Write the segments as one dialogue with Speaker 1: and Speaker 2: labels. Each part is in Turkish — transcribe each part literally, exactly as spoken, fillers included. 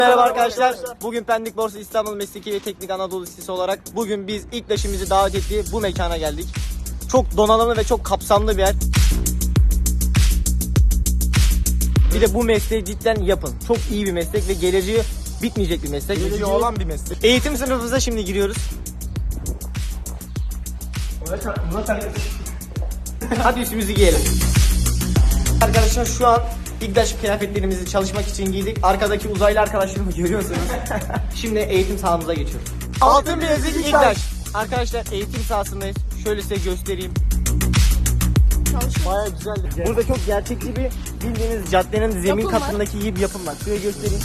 Speaker 1: Merhaba arkadaşlar. Bugün Pendik Borsa İstanbul Mesleki ve Teknik Anadolu Lisesi olarak bugün biz İKDAŞ'ımızı davet ettiği bu mekana geldik. Çok donanımlı ve çok kapsamlı bir yer. Bir de bu mesleği cidden yapın. Çok iyi bir meslek ve geleceği bitmeyecek bir meslek.
Speaker 2: Geleceği olan bir meslek.
Speaker 1: Eğitim sınıfımıza şimdi giriyoruz. Hadi üstümüzü giyelim. Arkadaşlar şu an İKDAŞ kıyafetlerimizi çalışmak için giydik. Arkadaki uzaylı arkadaşlarımı görüyorsunuz. Şimdi eğitim sahamıza geçiyoruz. Altın bilezik İKDAŞ. Arkadaşlar eğitim sahasındayız. Şöyle size göstereyim. Bayağı güzeldi. Burada çok gerçekçi bir bildiğiniz caddenin zemin
Speaker 3: Yapım var.
Speaker 1: katındaki gibi bir yapım var. Şöyle göstereyim.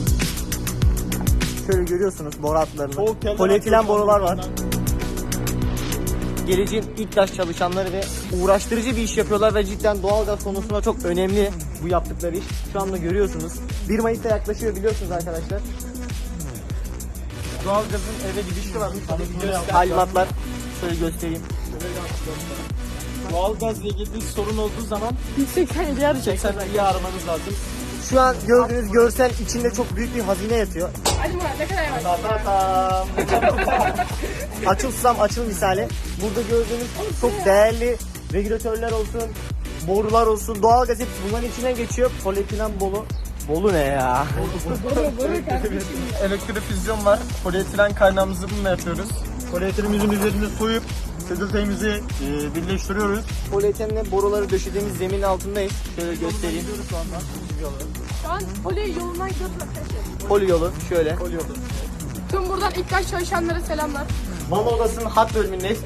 Speaker 1: Şöyle görüyorsunuz boru hatlarını. Polietilen borular var. Geleceğin İKDAŞ çalışanları ve uğraştırıcı bir iş yapıyorlar ve cidden doğalgaz konusunda çok önemli bu yaptıkları iş. Şu anda görüyorsunuz. bir Mayıs'ta yaklaşıyor biliyorsunuz arkadaşlar.
Speaker 2: Doğalgazın eve gidişi varmış.
Speaker 1: Talimatlar şöyle göstereyim.
Speaker 2: Doğalgazla ilgili bir sorun olduğu zaman
Speaker 3: yüz seksen yedi arayacak.
Speaker 2: seksen iyi aramanız lazım.
Speaker 1: Şu an gördüğünüz görsel içinde çok büyük bir hazine yatıyor.
Speaker 3: Hadi Murat ne kadar var?
Speaker 1: Ta-ta-tam. Açılsam açıl misali. Burada gördüğünüz çok değerli regülatörler olsun, borular olsun, doğalgaz hepsi bunların içinden geçiyor. Polietilen bolu. Bolu ne ya?
Speaker 2: Elektrofüzyon var. Polietilen kaynağımızı bununla yapıyoruz. Polietilenimizin üzerinde soyup seduteyimizi e, birleştiriyoruz.
Speaker 1: Polietilenle boruları döşediğimiz zemin altındayız. Şöyle göstereyim.
Speaker 3: Şu an Poli yolundan gidiyoruz arkadaşlar.
Speaker 1: Poli yolu şöyle.
Speaker 3: Tüm buradan İKDAŞ çalışanlara selamlar.
Speaker 1: Mama odasının hat bölümündeyiz.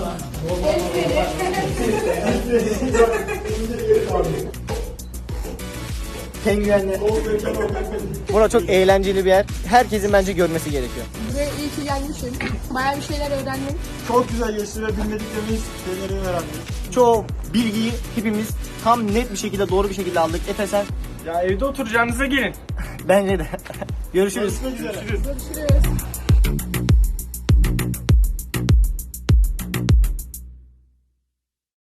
Speaker 1: Penguenler. Burası çok eğlenceli bir yer. Herkesin bence görmesi gerekiyor.
Speaker 3: Buraya iyi ki gelmişim. Bayağı bir şeyler öğrendim.
Speaker 2: Çok güzel geçti ve bilmediklerimiz şeyleri öğrendik.
Speaker 1: Çoğu bilgiyi hepimiz tam net bir şekilde doğru bir şekilde aldık. Efe sen?
Speaker 2: Ya evde oturacağınıza gelin.
Speaker 1: Bence de. Görüşürüz.
Speaker 2: Görüşmek üzere.
Speaker 3: Görüşürüz.